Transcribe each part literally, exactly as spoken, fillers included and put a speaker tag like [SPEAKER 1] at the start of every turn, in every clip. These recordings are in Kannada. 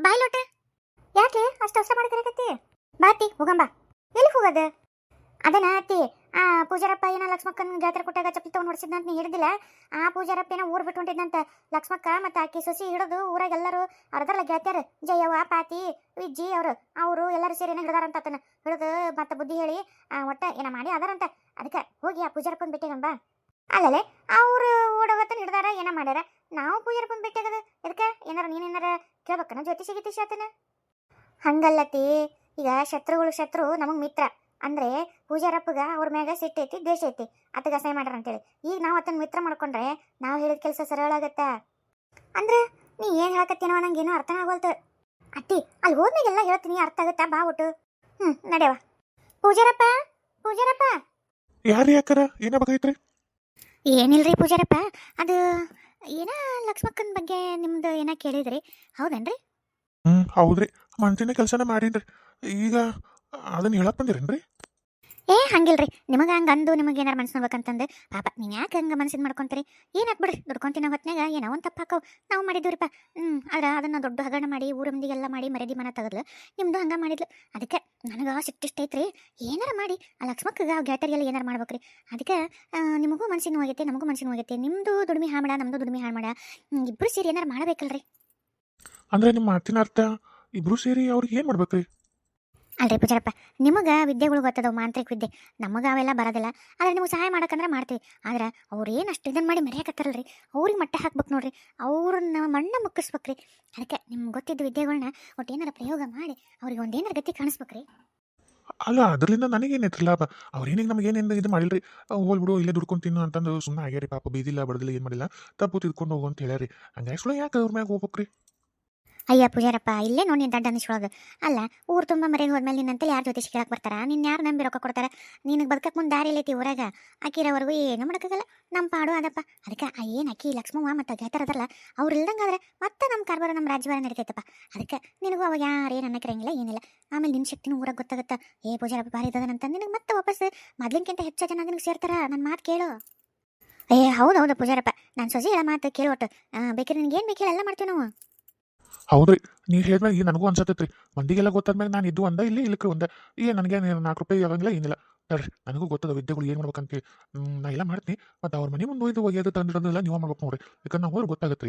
[SPEAKER 1] ಬಾಯ್ ಲೋಟ ಯಾಕೆ ಅಷ್ಟು ಅವಸರ ಮಾಡಿ ಕರೆಕತ್ತಿ ಬಾತಿ ಹೋಗಂಬ ಎಲ್ಲಿ ಹೋಗದ ಅದನ್ನ ಅತ್ತಿ ಆ ಪೂಜಾರಪ್ಪ ಏನ ಲಕ್ಷ್ಮಕ್ಕನ ಜಾತ್ರೆ ಕೊಟ್ಟಾಗ ಚಪ್ಪಲಿ ತಗೊಂಡು ಹೊಡ್ಸಿದ್ನಂತ ನೀ ಹಿಡಿದಿಲ್ಲ ಆ ಪೂಜಾರಪ್ಪ ಏನ ಊರ್ ಬಿಟ್ಟು ಹೊಂಟಿದ್ನಂತ ಲಕ್ಷ್ಮಕ್ಕ ಮತ್ತೆ ಆಕಿ ಸೊಸಿ ಹಿಡಿದು ಊರಾಗ ಎಲ್ಲರೂ ಅರ್ಧರ್ಲ ಗೆಳತ್ಯಾರ ಜಯವ್ವ ಪಾತಿ ವಿಜ್ಜಿ ಅವರು ಅವರು ಎಲ್ಲರೂ ಸೇರಿ ಏನ ಹಿಡ್ದಾರಂತ ಆತನ ಹಿಡಿದು ಮತ್ತೆ ಬುದ್ಧಿ ಹೇಳಿ ಒಟ್ಟ ಏನ ಮಾಡಿ ಅದಾರಂತ ಅದಕ್ಕೆ ಹೋಗಿ ಆ ಪೂಜಾರಪ್ಪನ ಬಿಟ್ಟಿಗಂಬ ಅಲ್ಲಲೆ ಅವ್ರು ಓಡೋಗತ್ತನ ಹಿಡ್ದಾರ ಏನ ಮಾಡ್ಯಾರ ನಾವು ಪೂಜಾರಪ್ಪನ ಬಿಟ್ಟಿಗದ ಇದಕ್ಕೆ ಏನಾರ ನೀನೇನಾರ ಕೇಳ್ಬೇಕನ ಜ್ಯೋತಿಷಿ ಗೀತಿಷಿ ಆತನ ಹಂಗಲ್ಲತಿ ಈಗ ಶತ್ರುಗಳು ಶತ್ರು ನಮಗ್ ಮಿತ್ರ ಅಂದ್ರೆ ಪೂಜಾರಪ್ಪಗ ಅವ್ರ ಮ್ಯಾಗ ಸಿಟ್ಟೈತಿ ದ್ವೇಷ ಐತಿ ಅತ್ತಗ ಸಹಾಯ ಮಾಡ್ಯಾರ ಅಂತೇಳಿ ಈಗ ನಾವು ಅದನ್ನ ಮಿತ್ರ ಮಾಡ್ಕೊಂಡ್ರೆ ನಾವು ಹೇಳಿದ ಕೆಲಸ ಸರಳ ಆಗತ್ತ ಅಂದ್ರೆ ನೀ ಏನ್ ಹೇಳಕತ್ತೀನೋ ನಂಗೇನು ಅರ್ಥನ ಆಗೋಲ್ತು ಅತ್ತಿ ಅಲ್ಲಿ ಹೋದ್ಮೇಲೆಲ್ಲ ಹೇಳ್ತೀನಿ ಅರ್ಥ ಆಗತ್ತಾ ಬಾ ಒಟ್ಟು ಹ್ಮ್ ನಡೆಯವ ಪೂಜಾರಪ್ಪ ಪೂಜಾರಪ್ಪ
[SPEAKER 2] ಯಾರು ಯಾಕರ ಏನ ಬೇಕಾಗಿತ್ರಿ
[SPEAKER 1] ಏನಿಲ್ರಿ ಪೂಜಾರಪ್ಪ ಅದು ಏನ ಲಕ್ಷ್ಮಕ್ಕನ ಬಗ್ಗೆ ನಿಮ್ದು ಏನ ಕೇಳಿದ್ರಿ ಹೌದೇನ್ರಿ
[SPEAKER 2] ಹ್ಮ್ ಹೌದ್ರಿ ಮನ್ಸಿನ ಕೆಲಸನ ಮಾಡೀನ್ರಿ ಈಗ ಅದನ್ನ ಹೇಳಕ್ ಬಂದಿರೇನ್ರಿ
[SPEAKER 1] ಏ ಹಂಗಿಲ್ರಿ ನಿಮಗೆ ಹಂಗೆ ಅಂದು ನಿಮಗೆ ಏನಾರು ಮನ್ಸು ನೋಡ್ಬೇಕಂತಂದು ಪಾಪ ನೀವು ಯಾಕೆ ಹಂಗೆ ಮನ್ಸಿನ ಮಾಡ್ಕೊಂತೀರಿ ಏನು ಹಾಕ್ಬಿಡ್ರಿ ದುಡ್ಕೊಂತಿನ ಹೊತ್ನಾಗ ಏನೋ ಒಂದು ತಪ್ಪು ಹಾಕವು ನಾವು ಮಾಡಿದ್ದೀವ್ರಿಪ್ಪ ಹ್ಞೂ ಆದ್ರೆ ಅದನ್ನು ದೊಡ್ಡ ಹಗರಣ ಮಾಡಿ ಊರ ಮಂದಿಗೆಲ್ಲ ಮಾಡಿ ಮರ್ಯಾದೆ ಮನ ತೆಗೆದ್ಲು ನಿಮ್ಮದು ಹಂಗೆ ಮಾಡಿದ್ಲು ಅದಕ್ಕೆ ನನಗೆ ಸಿಟ್ಟಿಷ್ಟೈತ್ರಿ ಏನಾರ ಮಾಡಿ ಆ ಲಕ್ಷ್ಮಕ್ಕಗೆ ಆ ಗ್ಯಾಟರಿಗೆಲ್ಲ ಏನಾರು ಮಾಡ್ಬೇಕ್ರಿ ಅದಕ್ಕೆ ನಿಮಗೂ ಮನ್ಸಿನ ಹೋಗೈತೆ ನಮಗೂ ಮನ್ಸಿನ ಹೋಗೈತೆ ನಿಮ್ಮದು ದುಡಿಮೆ ಹಾಳು ಮಾಡ ನಮ್ಮದು ದುಡಿಮೆ ಹಾಳು ಮಾಡ ಇಬ್ಬರು ಸೇರಿ ಏನಾರು ಮಾಡಬೇಕಲ್ರಿ
[SPEAKER 2] ಅಂದ್ರೆ ನಿಮ್ಮ ಮಾತಿನ ಅರ್ಥ ಇಬ್ರು ಸೇರಿ ಅವ್ರಿಗೆ ಏನ್ ಮಾಡ್ಬೇಕ್ರಿ
[SPEAKER 1] ಅಲ್ರಿ ಪೂಜಾರಪ್ಪ ನಿಮಗೆ ವಿದ್ಯೆಗಳು ಗೊತ್ತದವು ಮಾಂತ್ರಿಕ ವಿದ್ಯೆ ನಮಗೆ ಅವೆಲ್ಲ ಬರೋದಿಲ್ಲ ಆದರೆ ನಿಮಗೆ ಸಹಾಯ ಮಾಡಕ್ಕಂದ್ರೆ ಮಾಡ್ತೀವಿ ಆದ್ರೆ ಅವ್ರು ಏನು ಅಷ್ಟು ಇದನ್ನು ಮಾಡಿ ಮರೆಯಾಕತ್ತಾರಲ್ರಿ ಅವ್ರಿಗೆ ಮಟ್ಟ ಹಾಕ್ಬೇಕು ನೋಡ್ರಿ ಅವ್ರನ್ನ ಮಣ್ಣ ಮುಕ್ಕಿಸ್ಬೇಕ್ರಿ ಅದಕ್ಕೆ ನಿಮ್ಗೆ ಗೊತ್ತಿದ್ದ ವಿದ್ಯೆಗಳನ್ನ ಒಟ್ಟು ಏನಾರ ಪ್ರಯೋಗ ಮಾಡಿ ಅವ್ರಿಗೆ ಒಂದೇನಾರ ಗತಿ ಕಾಣಿಸ್ಬೇಕ್ರಿ
[SPEAKER 2] ಅಲ್ಲ ಅದರಿಂದ ನನಗೇನೈತ್ರಿ ಲಾಭ ಅವ್ರೇನಿಗೆ ನಮಗೇನೇನು ಇದು ಮಾಡಿಲ್ರಿ ಹೋಗ್ಬಿಡು ಇಲ್ಲೇ ದುಡ್ಕೊಂತೀನಿ ಅಂತಂದು ಸುಮ್ಮನೆ ಆಗ್ಯಾರಿ ಪಾಪ ಬೀದಿಲ್ಲ ಬಡದಿಲ್ಲ ಏನು ಮಾಡಿಲ್ಲ ತಪ್ಪು ತಿದ್ಕೊಂಡು ಹೋಗು ಅಂತ ಹೇಳ್ಯಾರಿ ಹಂಗಾಗಿ ಸುಳ್ಳು ಯಾಕೆ ಅವ್ರ ಮ್ಯಾಗ ಹೋಗ್ಬೇಕ್ರಿ
[SPEAKER 1] ಅಯ್ಯ ಪೂಜಾರಪ್ಪ ಇಲ್ಲೇ ನೋಡಿ ನೀನು ದಡ್ಡ ಅನಿಸ್ಕೊಳ್ಳೋದು ಅಲ್ಲ ಊರು ತುಂಬ ಮರೆಗೆ ಹೋದ್ಮೇಲೆ ನಿನ್ನಂತಲ್ಲಿ ಯಾರು ಜೊತೆ ಕೇಳಕ್ಕೆ ಬರ್ತಾರ ನಿನ್ನ ಯಾರು ನಂಬಿ ರೊಕ್ಕ ಕೊಡ್ತಾರೆ ನಿನಗೆ ಬದುಕಕ್ಕೆ ಮುಂದೆ ದಾರಿ ಐತಿ ಊರಾಗ ಆಕಿರೋವರೆಗೂ ಏನು ಮಾಡೋಕ್ಕಾಗಲ್ಲ ನಮ್ಮ ಪಾಡು ಅದಪ್ಪ ಅದಕ್ಕೆ ಆ ಏನು ಅಕ್ಕಿ ಲಕ್ಷ್ಮವ್ವ ಮತ್ತು ಗೆಳತರದಲ್ಲ ಅವ್ರು ಇಲ್ದಂಗಾದ್ರೆ ಮತ್ತೆ ನಮ್ಮ ಕಾರ್ಬಾರ ನಮ್ಮ ರಾಜ್ಯಭಾರ ನಡೀತೈತಪ್ಪ ಅದಕ್ಕೆ ನಿನಗೂ ಅವಾಗ ಯಾರು ಏನು ಅನ್ನಕ್ಕಿರಂಗಿಲ್ಲ ಏನಿಲ್ಲ ಆಮೇಲೆ ನಿನ್ನ ಶಕ್ತಿನೂ ಊರಾಗ ಗೊತ್ತಾಗುತ್ತಾ ಏ ಪೂಜಾರಪ್ಪ ಭಾರಿ ಇದ್ದದನಂತ ನಿನಗೆ ಮತ್ತೆ ವಾಪಸ್ ಮೊದ್ಲಿನ್ಕಿಂತ ಹೆಚ್ಚು ಜನ ನಿನಗೆ ಸೇರ್ತಾರ ನನ್ನ ಮಾತು ಕೇಳು ಏ ಹೌದು ಹೌದು ಪೂಜಾರಪ್ಪ ನಾನು ಸೊಸಿ ಹೇಳ ಮಾತು ಕೇಳು ಒಟ್ಟು ಬೇಕಿದ್ರೆ ನಿನಗೆ ಏನು ಬೇಕು ಎಲ್ಲ ಮಾಡ್ತೀವಿ ನಾವು
[SPEAKER 2] ಹೌದ್ರಿ ನೀವು ಹೇಳಿದ್ಮೇಲೆ ಈಗ ನನಗೂ ಅನ್ಸತ್ತೈತ್ರಿ ಮಂದಿಗೆಲ್ಲ ಗೊತ್ತಾದ್ಮೇಲೆ ನಾನು ಇದ್ದು ಒಂದ ಇಲ್ಲಿ ಇಲ್ಲಕ್ರಿ ಒಂದ ಈಗ ನನಗೆ ನಾಲ್ಕು ರೂಪಾಯಿ ಆಗಂಗಿಲ್ಲ ಏನಿಲ್ಲ ನೋಡ್ರಿ ನನಗೂ ಗೊತ್ತದ ವಿದ್ಯೆಗಳು ಏನು ಮಾಡ್ಬೇಕಂತ ನಾ ಎಲ್ಲ ಮಾಡ್ತೀನಿ ಮತ್ತು ಅವ್ರ ಮನೆ ಮುಂದೆ ಒಯ್ದು ಒಯ್ಯೋದು ತಂದಿರೋದೆಲ್ಲ ನೀವು ಮಾಡ್ಬೇಕು ನೋಡ್ರಿ ಯಾಕಂದ್ರೆ ನಾವು ಹೋದ್ರೆ ಗೊತ್ತಾಗತ್ರಿ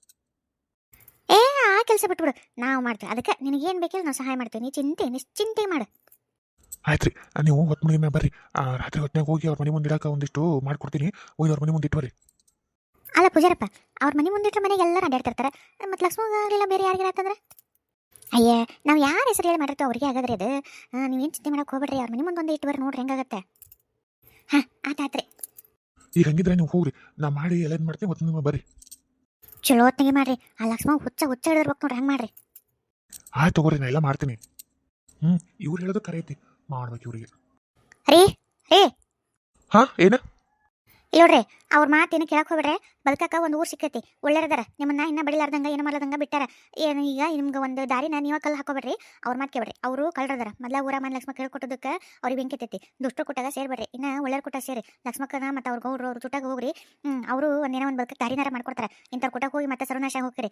[SPEAKER 1] ಏ ಆ ಕೆಲಸ ಬಿಟ್ಬಿಡು ನಾವು ಮಾಡ್ತೀವಿ ಅದಕ್ಕೆ ನಿನಗೇನು ಬೇಕಿಲ್ಲ ನಾವು ಸಹಾಯ ಮಾಡ್ತೀವಿ ನೀ ಚಿಂತೆ ನಿಶ್ಚಿಂತೆ ಮಾಡು
[SPEAKER 2] ಆಯ್ತ್ರಿ ನೀವು ಹೊತ್ತು ಮನೆ ಮೇಲೆ ಬರ್ರಿ ರಾತ್ರಿ ಹೊತ್ತಿನಾಗ ಹೋಗಿ ಅವ್ರ ಮನೆ ಮುಂದೆ ಇಡಕ್ಕೆ ಒಂದಿಷ್ಟು ಮಾಡ್ಕೊಡ್ತೀನಿ ಒಯ್ದು ಅವ್ರ ಮನೆ ಮುಂದೆ ಇಟ್ಟು ಬರ್ರಿ
[SPEAKER 1] ಅಲ್ಲ ಪೂಜಾರಪ್ಪ ಅವ್ರ ಮನೆ ಮುಂದಿಟ್ರೆ ಮನೆಗೆ ಎಲ್ಲರೂ ಅಡ್ಡಾಡ್ತಿರ್ತಾರೆ ಮತ್ತು ಲಕ್ಷ್ಮಗ ಆಗಲಿಲ್ಲ ಬೇರೆ ಯಾರಿಗಾರ ಅಂತಂದ್ರೆ ಅಯ್ಯ ನಾವು ಯಾರ ಹೆಸರು ಹೇಳಿ ಮಾಡಿರ್ತೀವಿ ಅವ್ರಿಗೆ ಆಗದ್ರಿ ಅದು ನೀವೇನು ಚಿಂತೆ ಮಾಡಕ್ಕೆ ಹೋಗ್ಬೇಡ್ರಿ ಅವ್ರ ಮನೆ ಮುಂದೆ ಒಂದು ಇಟ್ಟು ಬರ್ರಿ ನೋಡ್ರಿ ಹೆಂಗಾಗತ್ತೆ ಹಾಂ ಆತಾತ್ರಿ
[SPEAKER 2] ಈಗ ಹಂಗಿದ್ರೆ ನೀವು ಹೋಗ್ರಿ ನಾ ಮಾಡಿ ಎಲ್ಲ ಮಾಡ್ತೀನಿ ಹೊತ್ತು ನಿಮ್ಮ ಬರ್ರಿ
[SPEAKER 1] ಚಲೋ ಹೊತ್ತಿಗೆ ಮಾಡ್ರಿ ಆ ಲಕ್ಷ್ಮ ಹುಚ್ಚ ಹುಚ್ಚ ಹಿಡಿದಿರ್ಬೇಕು ನೋಡ್ರಿ ಹೆಂಗೆ ಮಾಡ್ರಿ
[SPEAKER 2] ಆಯ್ತು ತಗೋರಿ ನಾ ಎಲ್ಲ ಮಾಡ್ತೀನಿ ಹ್ಞೂ ಇವ್ರು ಹೇಳೋದು ಕರೆ ಐತಿ ಮಾಡ್ಬೇಕು ಇವ್ರಿಗೆ
[SPEAKER 1] ರೀ ರೀ
[SPEAKER 2] ಹಾಂ ಏನ
[SPEAKER 1] ಇಲ್ಲ ನೋಡ್ರಿ ಅವ್ರ ಮಾತೇನು ಕೇಳಕ್ಕೆ ಹೋಗ್ಬೇಡ್ರೆ ಬದುಕಕ್ಕ ಒಂದು ಊರು ಸಿಕ್ಕೈತಿ ಒಳ್ಳೆಯದಾರ ನಿಮ್ಮನ್ನ ಇನ್ನೂ ಬಡಿಲಾರ್ದಂಗೆ ಏನು ಮಾಡ್ಲಾರ್ದಂಗ ಬಿಟ್ಟಾರ ಏನು ಈಗ ನಿಮ್ಗೆ ಒಂದು ದಾರಿನ ನೀವು ಕಲ್ಲು ಹಾಕೋಬೇಡ್ರಿ ಅವ್ರ ಮಾತು ಕೇಳ್ಬೇಡ್ರಿ ಅವರು ಕಳ್ರದಾರ ಮೊದಲ ಊರ ಮನೆ ಲಕ್ಷ್ಮ ಕೇಳ್ಕೊಟ್ಟದಕ್ಕೆ ಅವ್ರಿಗೆ ಬೆಂಕಿತೈತಿ ದುಷ್ಟರು ಕೊಟ್ಟಾಗ ಸೇರ್ಬೇಡ್ರಿ ಇನ್ನು ಒಳ್ಳೆಯವ್ರ ಕೊಟ್ಟಾಗ ಸೇರಿ ಲಕ್ಷ್ಮಕ್ಕನ ಮತ್ತು ಅವ್ರ ಗೌಡ್ರು ಅವ್ರ ಚುಟ್ಟಾಗ ಹೋಗ್ರಿ ಹ್ಞೂ ಅವರು ಒಂದೇನೋ ಒಂದು ಬದುಕಕ್ಕೆ ದಾರಿನಾರ ಮಾಡ್ಕೊಡ್ತಾರೆ ಇಂಥವ್ರು ಕೊಟ್ಟಾಗ ಹೋಗಿ ಮತ್ತೆ ಸರ್ವನಾಶ ಹೋಗ್ರಿ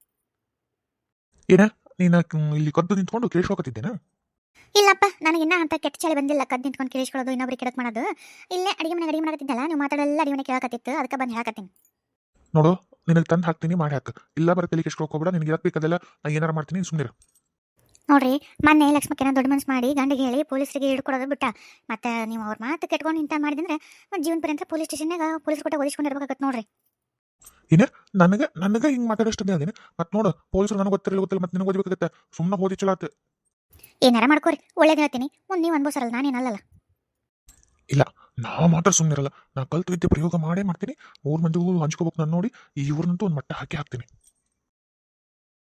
[SPEAKER 2] ಏನ ನೀನು ಇಲ್ಲಿ ಕದ್ದು ನಿಂತ್ಕೊಂಡು ಕೇಳಿಸ್ಕೊತಿದ್ದೇನಾ
[SPEAKER 1] ಇಲ್ಲಪ್ಪ ನನಗಿನ್ನ ಅಂತ ಕೆಟ್ಟ ಚಳಿ ಬಂದಿಲ್ಲ ಕದ್ದು ನಿಂತ್ಕೊಂಡು ಕೇಳಿಸ್ಕೊಳ್ಳೋದು ಇನ್ನೊಬ್ರಿಗೆ ಕೆಡಕ್ ಮಾಡೋದು ಇಲ್ಲೇ ಅಡಿಗೆ ಮನೆ ಅಡಿಗೆ ಮಾಡಕತ್ತಿದ್ದಲ್ಲ ನೀವು ಮಾತಾಡಲ್ಲ ಅಡಿಗೆ ಮನೆ ಕೇಳಕತ್ತಿತ್ತು ಅದಕ್ಕೆ ಬಂದು ಹೇಳಕತ್ತೀನಿ
[SPEAKER 2] ನೋಡು ನಿನಗೆ ತಂದು ಹಾಕ್ತೀನಿ ಮಾಡಿ ಹಾಕ ಇಲ್ಲ ಬರತ್ತಲ್ಲಿ ಕೇಳಿಸ್ಕೊಳ್ಕೋಬೇಡ ನಿನಗೆ ಇರಕ್ಕೆ ಬೇಕದೆಲ್ಲ ನಾ ಏನಾರು ಮಾಡ್ತೀನಿ ಸುಮ್ಮನೆ
[SPEAKER 1] ನೋಡ್ರಿ ಮೊನ್ನೆ ಲಕ್ಷ್ಮಕ್ಕೇನ ದೊಡ್ಡ ಮನ್ಸು ಮಾಡಿ ಗಂಡಿಗೆ ಹೇಳಿ ಪೊಲೀಸರಿಗೆ ಹಿಡ್ಕೊಡೋದು ಬಿಟ್ಟ ಮತ್ತೆ ನೀವು ಅವ್ರ ಮಾತು ಕೆಟ್ಕೊಂಡು ಇಂಥ ಮಾಡಿದ್ರೆ ಜೀವನ ಪರ್ಯಂತ ಪೊಲೀಸ್ ಸ್ಟೇಷನ್ನಾಗ ಪೊಲೀಸ್ ಕೊಟ್ಟ ಓದಿಸ್ಕೊಂಡಿರ್ಬೇಕಾಗತ್ತೆ ನೋಡ್ರಿ
[SPEAKER 2] ಏನ ನನಗೆ ನನಗೆ ಹಿಂಗೆ ಮಾತಾಡೋಷ್ಟು ಅದೇನೆ ಮತ್ತೆ ನೋಡು ಪೊಲೀಸರು ನನಗೆ ಗೊತ್ತಿರಲಿಲ್ಲ ಗೊತ್ತಿಲ್ಲ ಮತ್ತೆ ನಿನಗೆ ಓದಬೇಕಾಗತ್ತೆ ಸುಮ್ಮನೆ ಓದಿ ಚಲೋ ಆತು
[SPEAKER 1] ಏನಾರ ಮಾಡ್ಕೋರಿ ಒಳ್ಳೇದು ಹೇಳ್ತೀನಿ ಮುಂದೆ ನೀವು ಅನ್ಬೋಸರಲ್ಲ ನಾನೇನಲ್ಲ
[SPEAKER 2] ಇಲ್ಲ ನಾವು ಮಾತ್ರ ಸುಮ್ಮನಿರಲ್ಲ ನಾ ಕಲ್ತು ವಿದ್ಯೆ ಪ್ರಯೋಗ ಮಾಡೇ ಮಾಡ್ತೀನಿ ಊರ್ ಮಂದಿಗೂ ಹಂಚ್ಕೋಬೇಕು ನಾನು ನೋಡಿ ಈ ಊರಿನಂತೂ ಒಂದು ಮಟ್ಟ ಹಾಕಿ ಹಾಕ್ತೀನಿ